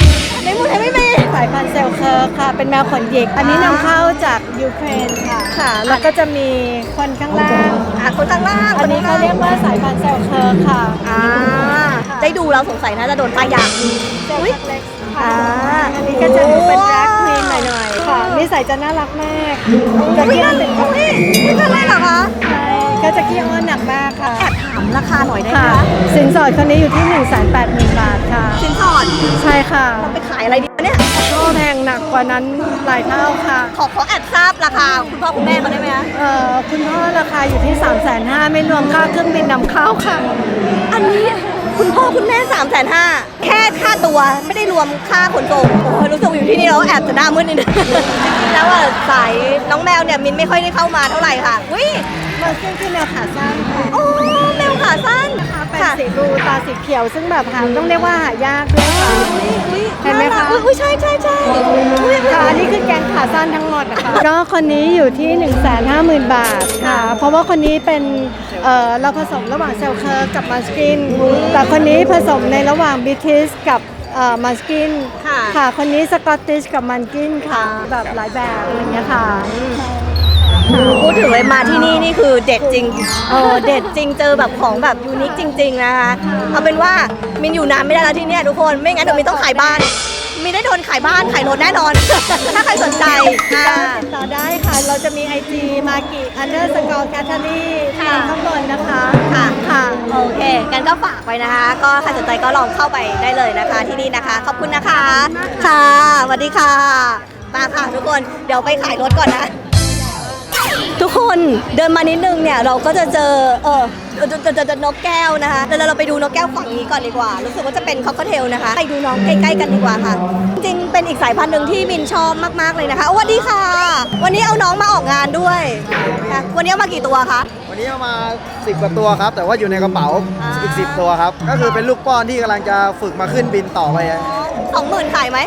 [SPEAKER 3] ในเมืองไทยไม่มี
[SPEAKER 7] สายพันธุ์เซลเคอร์ค่ะ เป็นแมวขนหยิก อันนี้นำเข้าจากยูเครนค่ะ ค่ะ แล้วก็จะมีคนข้างล่าง
[SPEAKER 3] อ่ะคนข้างล่าง
[SPEAKER 7] อันนี้เขาเรียกว่าสายพันธุ์เซลเคอร์ค่ะ
[SPEAKER 3] อ่าได้ดูแล้วสงสัยน่าจะโดนป้ายยา
[SPEAKER 7] เซล
[SPEAKER 3] อุ๊ย
[SPEAKER 7] เล็ก
[SPEAKER 3] อ่า
[SPEAKER 7] ค่ะอันนี้ก็จะดูเป็นแบล็คควีนหน่อยๆ ค่ะ นิสัยจะน่ารักมากจะ
[SPEAKER 3] อุ้ย
[SPEAKER 7] ขี้อ้
[SPEAKER 3] นั่
[SPEAKER 7] อน นเป็น
[SPEAKER 3] อุ้ยอุ้ยนั่นเลยเหรอคะ
[SPEAKER 7] ใช่ก็จะขี้อ้อนหนักมากค่ะ
[SPEAKER 3] แอบถามราคาหน่อยได้ไหม
[SPEAKER 7] ค่ะ
[SPEAKER 3] คะ
[SPEAKER 7] สินสอดคนนี้อยู่ที่ หนึ่งแสนแปดหมื่น บาทค่ะ
[SPEAKER 3] สินสอด
[SPEAKER 7] ใช่ค่ะ
[SPEAKER 3] เราไปขายอะไรดีวะเนี่ย
[SPEAKER 7] ก็แพงหนักกว่านั้นหลายเท่าค่ะ
[SPEAKER 3] ขอขอแอบทราบราคาคุณพ่อคุณแม่เขาได้ไหมคะ
[SPEAKER 7] เอ่อคุณพ่อราคาอยู่ที่ สามแสนห้าหมื่น ไม่รวมค่าเครื่องบินนำเข้าค่ะ
[SPEAKER 3] อันนี้คุณพ่อคุณแม่สามแสนห้าแค่ค่าตัวไม่ได้รวมค่าขนส่งโอ้ยรู้สึกอยู่ที่นี่แล้วแอบจะหน้ามืดนิดนึง แล้วว่าสายน้องแมวเนี่ยมินไม่ค่อยได้เข้ามาเท่าไหร่ค่ะวิ
[SPEAKER 7] มันซึ่งคือแมวขาสั้นค่ะ
[SPEAKER 3] โอ้แมวขาสั้น
[SPEAKER 7] เป็น
[SPEAKER 3] ค่ะ
[SPEAKER 7] สีบลูตาสีเขียว ซึ่งแบบหาต้องเรียกว่าหายากด้วยค่ะ
[SPEAKER 3] อุ๊ย
[SPEAKER 7] เห็นไหมคะ
[SPEAKER 3] อุ้ยใช่ใช่ใช่อุ๊ย
[SPEAKER 7] ค่ะอันนี้คือแกงขาสั้นทั้งหมดนะคะ ก็คนนี้อยู่ที่ หนึ่งแสนห้าหมื่น บาทค่ะ เพราะว่าคนนี้เป็นเอ่อเราผสมระหว่างเซลเคิร์ฟกับมาสกิน แต่คนนี้ผสมในระหว่างบิทิสกับมาสกิน
[SPEAKER 3] ค่ะ
[SPEAKER 7] ค่ะ คนนี้สกอตติชกับมันกินค่ะ แบบหลายแบบอะไรเงี้ยค่ะ
[SPEAKER 3] พูดถึงเลยมาที่นี่นี่คือเด็ดจริงเออเด็ดจริงเจอแบบของแบบยูนิคจริง ๆ นะคะ เอาเป็นว่ามินอยู่นานไม่ได้แล้วที่เนี่ยทุกคน ไม่งั้นเดี๋ยวมินต้องขายบ้าน มินได้โดนขายบ้านขายรถแน่นอน ถ้าใครสนใจอ่า
[SPEAKER 7] ติดต่อได้ค่ะ เราจะมี ไอ จี มากิอันเดอร์สกอร์แคทเธอรี่
[SPEAKER 3] ค่ะ
[SPEAKER 7] ข้างบนนะคะ
[SPEAKER 3] ค่ะ
[SPEAKER 7] ค่ะ
[SPEAKER 3] โอเค กันก็ฝากไว้นะคะ ก็ใครสนใจก็ลองเข้าไปได้เลยนะคะที่นี่นะคะ ขอบคุณนะคะ ค่ะสวัสดีค่ะ มาค่ะทุกคน เดี๋ยวไปขายรถก่อนนะ ทุกคนเดินมานิดนึงเนี่ยเราก็จะเจอเออจะจะจะจะนกแก้วนะคะเดี๋ยวเราไปดูนกแก้วฝั่งนี้ก่อนดีกว่า รู้สึกว่าจะเป็นคอกเทลนะคะ ไปดูน้องใกล้ๆกันดีกว่าค่ะ จริงๆเป็นอีกสายพันธุ์หนึ่งที่มินชอบมากๆเลยนะคะสวัสดีค่ะ วันนี้เอาน้องมาออกงานด้วยค่ะวันนี้เอามากี่ตัวคะ
[SPEAKER 10] วันนี้เอามาสิบกว่าตัวครับ แต่ว่าอยู่ในกระเป๋า
[SPEAKER 3] อ่า
[SPEAKER 10] อีกสิบตัวครับ ก็คือเป็นลูกป้อนที่กำลังจะฝึกมาขึ้นบินต่อไป
[SPEAKER 3] สองหมื่นขายไหม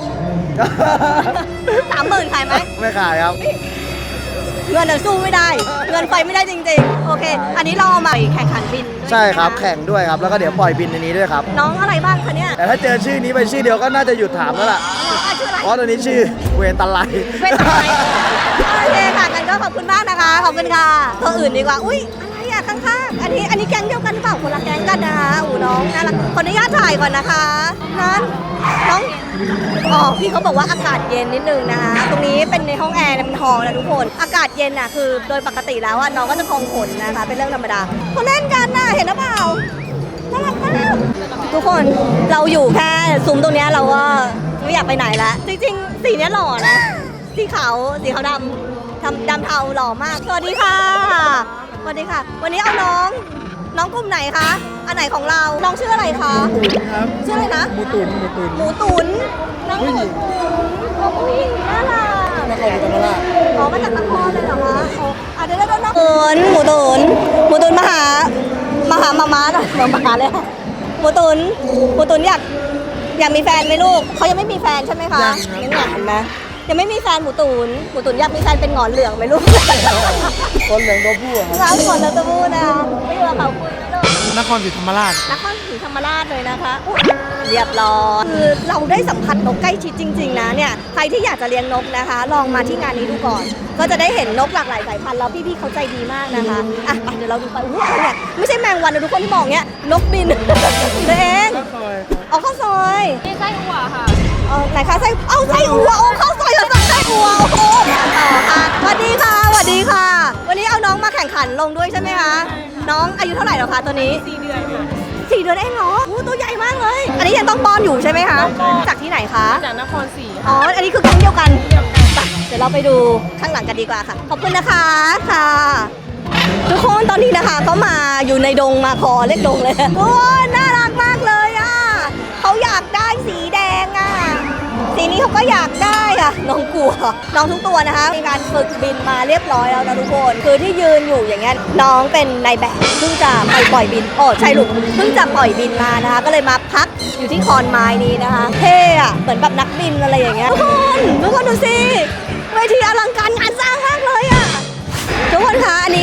[SPEAKER 3] สามหมื่นขายไหม
[SPEAKER 10] ไม่ขายครับ
[SPEAKER 3] เงินเดี๋ยวสู้ไม่ได้ เงินไปไม่ได้จริงๆ โอเค อันนี้เราเอามาแข่งขันบินด้วย
[SPEAKER 10] ใช่ครับ
[SPEAKER 3] ไหมะ
[SPEAKER 10] แข่งด้วยครับ แล้วก็เดี๋ยวปล่อยบินในนี้ด้วยครับ
[SPEAKER 3] น้องอะไรบ้างคะเนี่ย
[SPEAKER 10] แต่ถ้าเจอชื่อนี้ไปชื่อเดียวก็น่าจะหยุดถามแล้วล่ะ
[SPEAKER 3] น้องชื่ออะไร
[SPEAKER 10] เพราะตัวนี้ชื่อเวนตันไล
[SPEAKER 3] เป็นอะไรโอเคค่ะกันก็ขอบคุณมากนะคะ ขอบคุณค่ะ ตัวอื่นดีกว่า อุ้ยอะไรอะข้างๆ อันนี้อันนี้แก๊งเดียวกันหรือเปล่าคนละแก๊งกันนะคะอูน้องน่ารักขออนุญาตถ่ายก่อนนะคะนั้นน้องอ๋อพี่เขาบอกว่าอากาศเย็นนิดนึงนะคะ ตรงนี้เป็นในห้องแอร์เป็นฮอลล์นะทุกคน อากาศเย็นน่ะคือโดยปกติแล้วอะน้องก็จะพองขนนะคะ เป็นเรื่องธรรมดาเขาเล่นกันน่ะเห็นหรือเปล่าน่ารักมากทุกคนเราอยู่แค่ซุ้มตรงเนี้ยเราก็ไม่อยากไปไหนละจริงๆสีเนี้ยหล่อนะ สีขาวสีขาวดำทำดำเทาหล่อมาก สวัสดีค่ะสวัสดีค่ะ วันนี้เอาน้อง น้องกลุ่มไหนคะ อันไหนของเรา น้องชื่ออะไรคะ
[SPEAKER 10] ครับ
[SPEAKER 3] ชื่ออะไรนะ
[SPEAKER 10] หมูตุนหมูตุน
[SPEAKER 3] หมูตุ๋นน้องหมูตุ๋นโอ้ผู้หญิงน่ารัก
[SPEAKER 10] นครศรีธรรมราช
[SPEAKER 3] อ๋อมาจากนครเลยเหรอคะโอ้อ่ะเดี๋ยวเดี๋ยวเดี๋ยวหมูตุ๋นหมูตุ๋นหมูตุ๋นมาหามาหามาม้าหน่อยมาหาเลยค่ะหมูตุ๋นหมูตุ๋นอยากอยากมีแฟนไหมลูกเขายังไม่มีแฟนใช่ไหมคะยังไงเห็นไหมยังไม่มีแฟนหมูตุ๋นหมูตุ๋นอยากมีแฟนเป็นหงอนเหลืองไหมลูก
[SPEAKER 10] คนเหลืองตัวผู้อะครับ
[SPEAKER 3] ร้านคนแล้วจะพูดนะไม่อยู่กับเขาคุยนะลูก
[SPEAKER 5] นครศรีธรรมราช
[SPEAKER 3] นครศรีธรรมราชเลยนะคะอุ๊ยเรียบร้อยคือเราได้สัมผัสนกใกล้ชิดจริง ๆ นะเนี่ยใครที่อยากจะเลี้ยงนกนะคะ ลองมาที่งานนี้ดูก่อน ก็จะได้เห็นนกหลากหลายสายพันธุ์แล้วพี่ๆเขาใจดีมากนะคะอ่ะไปเดี๋ยวเราดูไปอู้อะไรเนี่ยไม่ใช่แมงวันนะทุกคนที่มองเนี้ยนกบิน ตัวเองเอาข้าวซอย
[SPEAKER 1] นี่ไส้อั่วค่ะ
[SPEAKER 3] เออไหนคะไส้เอาไส้อั่วโอ้ข้าวซอยกับไส้อั่วโอ้โหต่อค่ะสวัสดีค่ะสวัสดีค่ะ วันนี้เอาน้องมาแข่งขันลงด้วยใช่ไหมคะน้องอายุเท่าไหร่แล้วคะตัวนี้สี่เดือนสี่เดือนเองเหรอโอ้ตัวใหญ่มากเลย อันนี้ยังต้องป้อนอยู่ใช่ไหมคะจากที่ไหนคะ
[SPEAKER 6] จากนครศรี
[SPEAKER 3] อ๋ออันนี้คือแก๊งเดียวกันไปเดี๋ยวเราไปดูข้างหลังกันดีกว่าค่ะขอบคุณนะคะค่ะ ทุกคนตอนนี้นะคะเขามาอยู่ในดงมาคอเล็กดงเลยโอ้ยน่ารักมากเลยอ่ะเขาอยากได้สีแดงอ่ะสีนี้เขาก็อยากได้อ่ะน้องกลัวน้องทุกตัวนะคะมีการฝึกบินมาเรียบร้อยแล้วนะทุกคนคือที่ยืนอยู่อย่างเงี้ยน้องเป็นนายแบบเพิ่งจะไปปล่อยบินโอ้ใช่ลูกเพิ่งจะปล่อยบินมานะคะก็เลยมาพักอยู่ที่คอนไม้นี้นะคะเท่อะเหมือนแบบนักบินอะไรอย่างเงี้ยทุกคนทุกคนดูสิเวทีอลังการงานสร้างมากเลยอ่ะ ทุกคนคะอันนี้ก็คือการ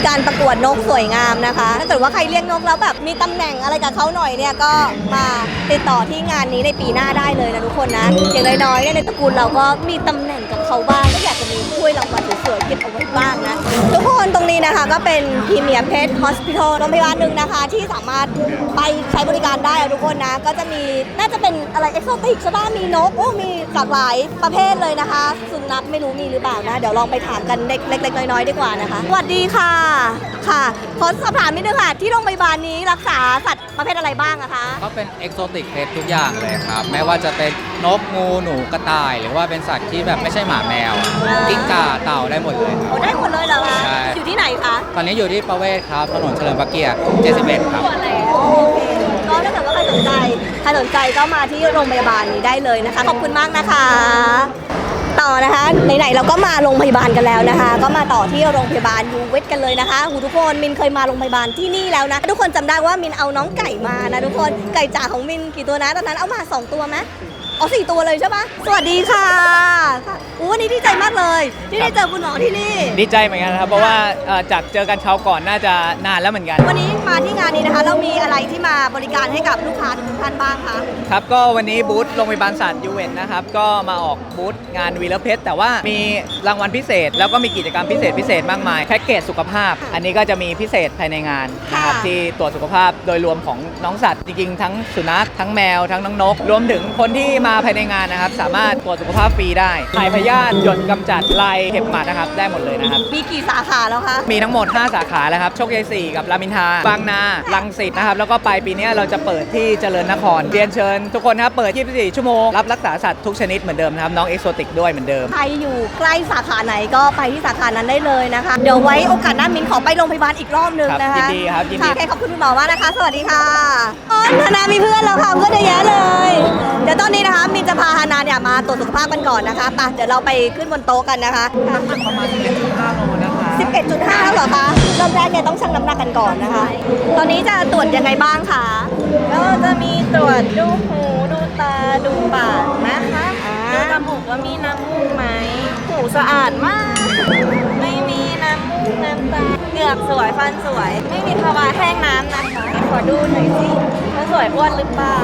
[SPEAKER 3] การประกวดนกสวยงามนะคะถ้าเกิดว่าใครเลี้ยงนกแล้วแบบมีตำแหน่งอะไรกับเขาหน่อยเนี่ยก็มาติดต่อที่งานนี้ในปีหน้าได้เลยนะทุกคนนะอย่างน้อยๆเนี่ยในตระกูลเราก็มีตำแหน่งกับเขาบ้างก็อยากจะมีถ้วยรางวัลสวยๆเก็บเอาไว้บ้างนะทุกคนตรงนี้นะคะก็เป็นพรีเมียร์เพชรฮอสพิทอลโรงพยาบาลหนึ่งนะคะที่สามารถไปใช้บริการได้อะทุกคนนะก็จะมีน่าจะเป็นอะไรเอ็กโซติกใช่ป่ะมีนกโอ้มีหลากหลายประเภทเลยนะคะสุนัขไม่รู้มีหรือเปล่านะเดี๋ยวลองไปถามกันเล็กๆน้อยๆดีกว่านะคะสวัสดีค่ะค่ะขอสอบถามนิดนึงค่ะที่โรงพยาบาลนี้รักษาสัตว์ประเภทอะไรบ้างอะคะ
[SPEAKER 11] ก็เป็นเอกโซติกเพชทุกอย่างเลยครับไม่ว่าจะเป็นนกงูหนูกระต่าย หรือว่าเป็นสัตว์ที่แบบไม่ใช่หมาแมวกิ้งก่าเต่าได้หมดเลยครับ
[SPEAKER 3] โอ้ได้หมดเลยเหรอคะ
[SPEAKER 11] ใช่
[SPEAKER 3] อยู่ที่ไหนคะ
[SPEAKER 11] ตอนนี้อยู่ที่ประเวศครับถนนเฉลิมพระเกียรติเจ็ดสิบเอ็ดครับ
[SPEAKER 3] โอเคก็ถ้าเกิดว่าใครสนใจใครสนใจก็มาที่โรงพยาบาลนี้ได้เลยนะคะขอบคุณมากนะคะ ต่อนะคะไหนๆเราก็มาโรงพยาบาลกันแล้วนะคะ ก็มาต่อที่โรงพยาบาลยูเวทกันเลยนะคะหูทุกคนมินเคยมาโรงพยาบาลที่นี่แล้วนะทุกคนจำได้ว่ามินเอาน้องไก่มานะทุกคนไก่จ๋าของมินกี่ตัวนะตอนนั้นเอามาสองตัวไหมอ๋อสี่ตัวเลยใช่ปะสวัสดีค่ะอู้วันนี้ดีใจมากเลยที่ได้เจอคุณหมอที่นี่
[SPEAKER 12] ดีใจเหมือนกันครับเพราะว่าเอ่อจากเจอกันคราวก่อนน่าจะนานแล้วเหมือนกัน
[SPEAKER 3] วันนี้มาที่งานนี้นะคะเรามีอะไรที่มาบริการให้กับลูกค้าทุกท่านบ้างคะ
[SPEAKER 12] ครับก็วันนี้บูธโรงพยาบาลสัตว์ยูเวนนะครับก็มาออกบูธงานวีเลอร์เพชแต่ว่ามีรางวัลพิเศษ แล้วก็มีกิจกรรมพิเศษพิเศษมากมายแพ็กเกจสุขภาพ อันนี้ก็จะมีพิเศษภายในงานนะครับที่ตรวจสุขภาพโดยรวมของน้องสัตว์จริงๆทั้งสุนัขทั้งแมวทั้งน้องนกรวมถึงคนที่มาภายในงานนะครับสามารถตรวจสุขภาพฟรีได้ถ่ายพยาธิหยดกำจัดลายเห็บหมัดนะครับได้หมดเลยนะครับ
[SPEAKER 3] มีกี่สาขาแล้วคะ
[SPEAKER 12] มีทั้งหมดห้าสาขาแล้วครับโชคชัยสี่กับรามอินทราบางนารังสิตนะครับแล้วก็ปลายปีนี้เราจะเปิดที่เจริญนครเรียนเชิญทุกคนนะครับเปิดยี่สิบสี่ชั่วโมงรับรักษาสัตว์ทุกชนิดเหมือนเดิมนะครับน้องเอ็กโซติกด้วยเหมือนเดิม
[SPEAKER 3] ใครอยู่ใกล้สาขาไหนก็ไปที่สาขานั้นได้เลยนะคะเดี๋ยวไว้โอกาสหน้ามินขอไปโรงพยาบาลอีกรอบนึงนะคะ
[SPEAKER 12] ยินดีครับยินดี
[SPEAKER 3] ค่ะโอเคขอบคุณคุณหมอมากนะคะ สวัสดีค่ะอ๋อฮานามีเพื่อนแล้วค่ะเพื่อนเยอะแยะเลยเดี๋ยวตอนนี้นะคะมินจะพาฮานาเนี่ยมาตรวจสุขภาพกันก่อนนะคะไปเดี๋ยวเราไปขึ้นบนโต๊ะกันนะคะประมาณ สิบเอ็ดจุดห้า โลนะคะ สิบเอ็ดจุดห้า เหรอคะเริ่มแรกเนี่ยต้องชั่งน้ำหนักกันก่อนนะคะ ตอนนี้จะตรวจยังไงบ้างคะก็จะมีตรวจดูหูดูตาดูปากนะคะดูจมูกว่ามีน้ำมูกไหมหูสะอาดมากไม่มีน้ำมูกน้ำตาเหงือกสวยฟันสวย ไม่มีภาวะแห้งน้ำนะคะขอดูหน่อยสิว่าสวยอ้วนหรือเปล่า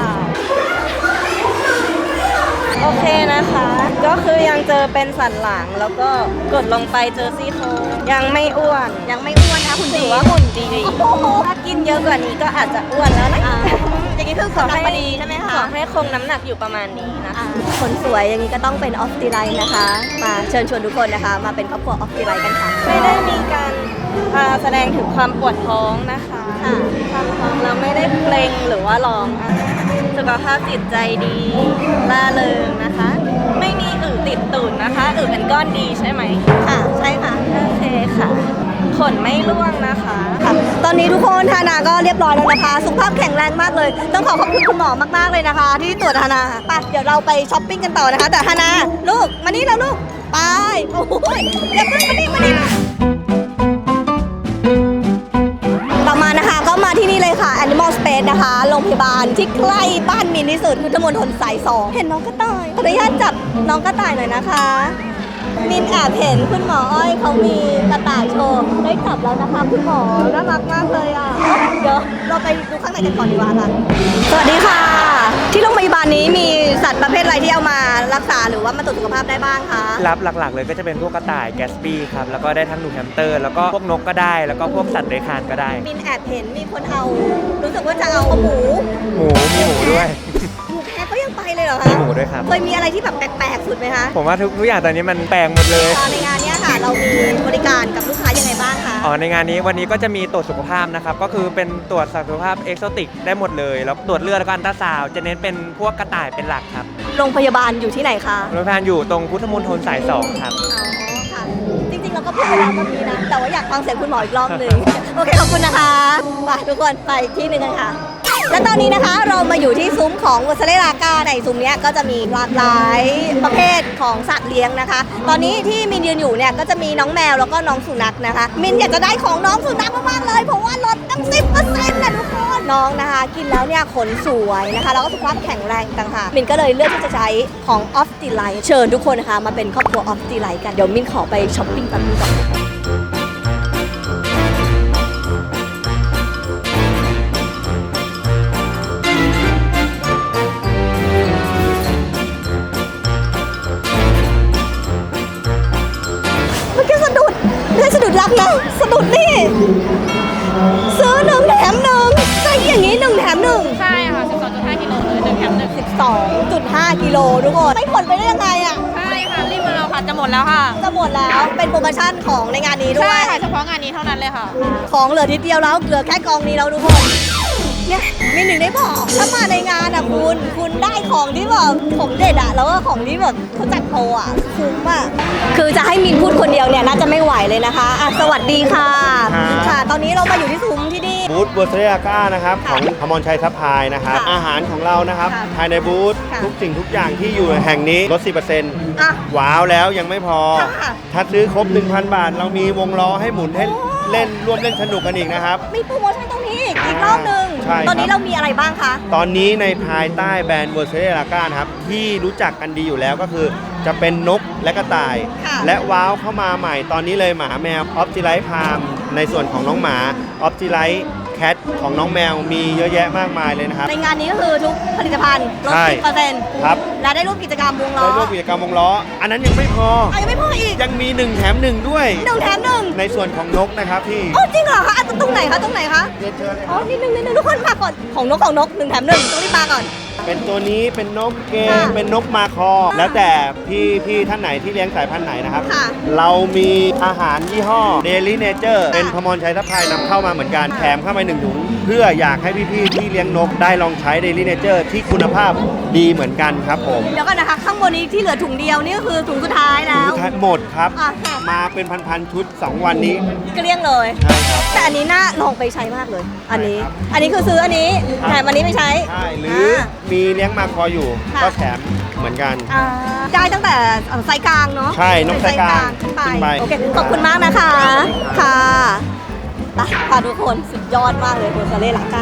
[SPEAKER 3] โอเคนะคะ ก็คือยังเจอเป็นสันหลังแล้วก็กดลงไปเจอซี่โครงยังไม่อ้วนยังไม่อ้วนนะคุณถือว่าหุ่นดีถ้ากินเยอะกว่านี้ก็อาจจะอ้วนแล้วนะอย่างนี้คือขอให้ดีใช่ไหมคะขอให้คงน้ำหนักอยู่ประมาณนี้นะคะคนสวยอย่างนี้ก็ต้องเป็นออฟติไลน์นะคะมาเชิญชวนทุกคนนะคะมาเป็นครอบครัวออฟติไลน์กันค่ะไม่ได้มีการแสดงถึงความปวดท้องนะคะความท้องเราไม่ได้เกรงหรือว่าร้องสุขภาพจิตใจดีล่าเริงนะคะ ไม่มีอึติดตูดนะคะอึเป็นก้อนดีใช่ไหมค่ะใช่ค่ะโอเคค่ะขนไม่ร่วงนะคะค่ะตอนนี้ทุกคนฮานาก็เรียบร้อยแล้วนะคะสุขภาพแข็งแรงมากเลยต้องขอขอบคุณคุณหมอมากๆเลยนะคะ ที่ตรวจฮานาไปเดี๋ยวเราไปช้อปปิ้งกันต่อนะคะแต่ฮานาลูกมานี่แล้วลูกไปโอ้ยอย่าเพิ่งมานี่มานี่ต่อมานะคะก็มาที่นี่เลยค่ะ Animal Space นะคะโรงพยาบาลที่ใกล้บ้านมินที่สุดพุทธมณฑลสายสองเห็นน้องกระต่ายขออนุญาตจับน้องกระต่ายหน่อยนะคะมินแอบเห็นคุณหมออ้อยเขามีกระต่ายโชว์ได้จับแล้วนะคะคุณหมอน่ารักมากเลยอ่ะเดี๋ยวเราไปดูข้างในกันก่อนดีกว่าค่ะสวัสดีค่ะที่โรงพยาบาลนี้มีสัตว์ประเภทอะไรที่เอามารักษาหรือว่ามาตรวจสุขภาพได้บ้างคะ
[SPEAKER 13] รับหลักๆเลยก็จะเป็นพวกกระต่ายแกสปี้ครับแล้วก็ได้ทั้งหนูแฮมสเตอร์แล้วก็พวกนกก็ได้แล้วก็พวกสัตว์เลื้อยคลานก็ได้
[SPEAKER 3] มินแอบเห็นมีคนเอารู้สึกว่าจะเอาหมู
[SPEAKER 13] หมูมีหมูด้วย
[SPEAKER 3] หมูแพ้ก็ยังไปเลยเหรอ
[SPEAKER 13] มี
[SPEAKER 3] คะ
[SPEAKER 13] หมูด้วยครับ
[SPEAKER 3] เคยมีอะไรที่แบบแปลกๆสุดไหมคะ
[SPEAKER 13] ผมว่าทุกทุกอย่างตอนนี้มันแปลงหมดเลย
[SPEAKER 3] ในงานเนี้ยค่ะเรามีบริการกับลูกค้ายังไงบ้างคะ
[SPEAKER 13] อ๋อในงานนี้วันนี้ก็จะมีตรวจสุขภาพนะครับก็คือเป็นตรวจสุขภาพเอ็กโซติกได้หมดเลยแล้วตรวจเลือดแล้วก็อัลตราซาวด์จะเน้นเป็นพวกกระต่ายเป็นหลักครับ
[SPEAKER 3] โรงพยาบาลอยู่ที่ไหนคะ
[SPEAKER 13] โรงพยาบาลอยู่ตรงพุทธมณฑลสายสองครับ
[SPEAKER 3] อ๋อค่ะจริงๆเราก็พูดไปแล้วเมื่อกี้นะแต่ว่าอยากฟังเสียงคุณหมออีกรอบหนึ่ง โอเคขอบคุณนะคะไปทุกคนไปอีกที่หนึ่งกันค่ะ และตอนนี้นะคะเรามาอยู่ที่ซุ้มของวัสเลรากาในซุ้มเนี้ยก็จะมีหลากหลายประเภทของสัตว์เลี้ยงนะคะ ตอนนี้ที่มินยืนอยู่เนี่ยก็จะมีน้องแมวแล้วก็น้องสุนัขนะคะมินอยากจะได้ของน้องสุนัขมากๆเลยเพราะว่าลดตั้ง สิบเปอร์เซ็นต์ นะทุกคนน้องนะคะกินแล้วเนี่ยขนสวยนะคะแล้วก็สุขภาพแข็งแรงต่างหากมินก็เลยเลือกที่จะใช้ของ Off Delight เชิญทุกคนนะคะมาเป็นครอบครัว Off Delight กันเดี๋ยวมินขอไปช้อปปิ้งแป๊บนึงก่อนนะสะดุดนี่ซื้อหนึ่งแถมหนึ่งใช่อย่างนี้หนึ่งแถมหนึ่ง
[SPEAKER 1] ใช่ค่ะ สิบสองจุดห้า กิโลเลยหนึ่งแถมหนึ่ง
[SPEAKER 3] สิบสองจุดห้า กิโลทุกคนไม่ผลไปได้ยังไงอ่ะ
[SPEAKER 1] ใช่ค่ะ รีบมาเอาค่ะ จะหมดแล้วค่ะ
[SPEAKER 3] จะหมดแล้วเป็นโปรโมชั่นของในงานนี้ด้วย
[SPEAKER 1] ใช่ค่ะ เฉพาะงานนี้เท่านั้นเลยค่ะ
[SPEAKER 3] ของเหลือทีเดียวแล้วเหลือแค่กองนี้แล้วทุกคนเนี่ยมีหนึ่งได้บอกถ้ามาในงานอ่ะคุณคุณได้ของที่แบบของเด็ดอ่ะแล้วก็ของที่แบบเขาจัดโปรอ่ะคุ้มอ่ะคือจะให้มินพูดคนเดียวเนี่ยน่าจะไม่ไหวเลยนะคะอ่ะสวัสดีค่ะ
[SPEAKER 14] ครับ
[SPEAKER 3] ค่ะ ตอนนี้เรามาอยู่ที่ซุ้มที่นี่
[SPEAKER 14] บูธบัวเซเรียก้านะครับของพมรชัยซัพพลายนะครับ
[SPEAKER 3] ค่ะ
[SPEAKER 14] อาหารของเรานะครับ
[SPEAKER 3] ค่ะ
[SPEAKER 14] ภายในบูธ
[SPEAKER 3] ค่ะ
[SPEAKER 14] ทุกสิ่งทุกอย่างที่อยู่แห่งนี้ลด สิบเปอร์เซ็นต์
[SPEAKER 3] อ่ะ
[SPEAKER 14] ว้าวแล้วยังไม่พอ
[SPEAKER 3] ค่ะ
[SPEAKER 14] ถ้าซื้อครบ หนึ่งพัน บาท เรามีวงล้อให้หมุนให้เล่นร่วมเล่นสนุกกันอีกนะครับ
[SPEAKER 3] มีโปรโมชั่นตรงนี้อีกอีกรอบหนึ่ง
[SPEAKER 14] ใช่ครับ
[SPEAKER 3] ตอนนี้เรามีอะไรบ้างคะ
[SPEAKER 14] ตอนนี้ในภายใต้แบรนด์บัวเซเรียก้านะครับที่รู้จักกันดีอยู่แล้วก็คือ จะเป็นนกและกระต่าย
[SPEAKER 3] ค่ะ
[SPEAKER 14] และว้าวเข้ามาใหม่ตอนนี้เลยหมาแมวออฟจิไลท์พามในส่วนของน้องหมาออฟจิไลท์แคทของน้องแมวมีเยอะแยะมากมายเลยนะครับ
[SPEAKER 3] ในงานนี้ก็คือทุกผลิตภัณฑ์ลด
[SPEAKER 14] ใช่
[SPEAKER 3] สิบเปอร์เซ็นต์
[SPEAKER 14] ครับ
[SPEAKER 3] และได้ร่วมกิจกรรมวงล้อ
[SPEAKER 14] ได้ร่วมกิจกรรมวงล้อ อันนั้นยังไม่พอ
[SPEAKER 3] อ่ะยังไม่พออีก
[SPEAKER 14] ยังมีหนึ่งแถมหนึ่งด้วย
[SPEAKER 3] หนึ่งแถมหนึ่ง
[SPEAKER 14] ในส่วนของนกนะครับพี่
[SPEAKER 3] อ๋อจริงเหรอคะอ่ะตรงไหนคะตรงไหนคะ
[SPEAKER 14] เรียนเชิญเลยค
[SPEAKER 3] อ๋อ
[SPEAKER 14] รับ
[SPEAKER 3] นิดนึงนิดนึงทุกคนมาก่อนของนกของนกหนึ่งแถมหนึ่งต้องรีบมาก่อน
[SPEAKER 14] เป็นตัวนี้เป็นนกเก
[SPEAKER 3] ค่ะ
[SPEAKER 14] เป็นนกมาคอ แล้วแต่พี่พี่ท่านไหนที่เลี้ยงสายพันธุ์ไหนนะครับ
[SPEAKER 3] ค่ะ
[SPEAKER 14] เรามีอาหารยี่ห้อ Daily Nature เป็นพมรชัยทัพพลายนำเข้ามาเหมือนกัน แถมเข้ามาหนึ่งถุง เพื่ออยากให้พี่ๆที่เลี้ยงนกได้ลองใช้ Daily Nature ที่คุณภาพดีเหมือนกันครับผม
[SPEAKER 3] เดี๋ยวก่อนนะคะ ข้างบนนี้ที่เหลือถุงเดียวนี่ก็คือถุงสุดท้ายแล้ว
[SPEAKER 14] สุดท้ายหมดครับ
[SPEAKER 3] อ่ะค่ะ
[SPEAKER 14] มาเป็นพันๆชุด สอง วันนี้
[SPEAKER 3] เกลี้ยงเลย
[SPEAKER 14] ใช่ครับ
[SPEAKER 3] แต่อันนี้น่าลองไปใช้มากเลย อันนี้ อันนี้คือซื้ออันนี้แถมอันนี้ไปใช้
[SPEAKER 14] ใช่หรือมีเลี้ยงมาคออยู่
[SPEAKER 3] ค่ะ
[SPEAKER 14] ก็แถมเหมือนกัน
[SPEAKER 3] อ่าได้ตั้งแต่เอ่อไซส์กลางเนาะ
[SPEAKER 14] ใช่นกไซส์กลาง
[SPEAKER 3] ขึ้นไป
[SPEAKER 14] ขึ้นไป
[SPEAKER 3] โอเคขอบคุณมากนะคะ ค่ะไปค่ะทุกคนสุดยอดมากเลยโบซาเล่ลาก้า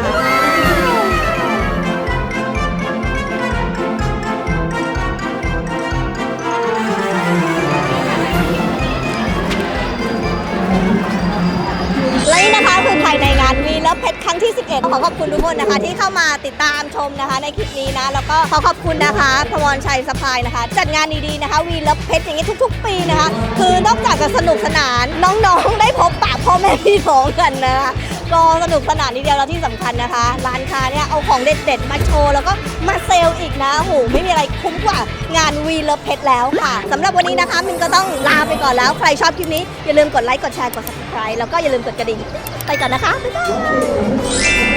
[SPEAKER 3] และนี่นะคะคือภายในงานวีและเพชรครั้งที่ สิบเอ็ด ขอขอบคุณทุกคนนะคะที่เข้ามาติดตามชมนะคะในคลิปนี้นะ แล้วก็ขอขอบคุณนะคะพมรชัยสปายนะคะ จัดงานดีๆนะคะวีและเพชรอย่างนี้ทุกๆ ปีนะคะ คือนอกจากจะสนุกสนานน้องๆได้พบปะพ่อแม่พี่น้องกันนะคะก็สนุกสนานทีเดียวแล้วที่สำคัญนะคะ ร้านค้าเนี่ยเอาของเด็ดๆมาโชว์แล้วก็มาเซลล์อีกนะโอ้โหไม่มีอะไรคุ้มกว่างานวีและเพชรแล้วค่ะสำหรับวันนี้นะคะมินก็ต้องลาไปก่อนแล้วใครชอบคลิปนี้อย่าลืมกดไลค์กดแชร์กด ซับสไครบ์ แล้วก็อย่าลืมกดกระดิ่งไปก่อนนะคะ บ๊ายบาย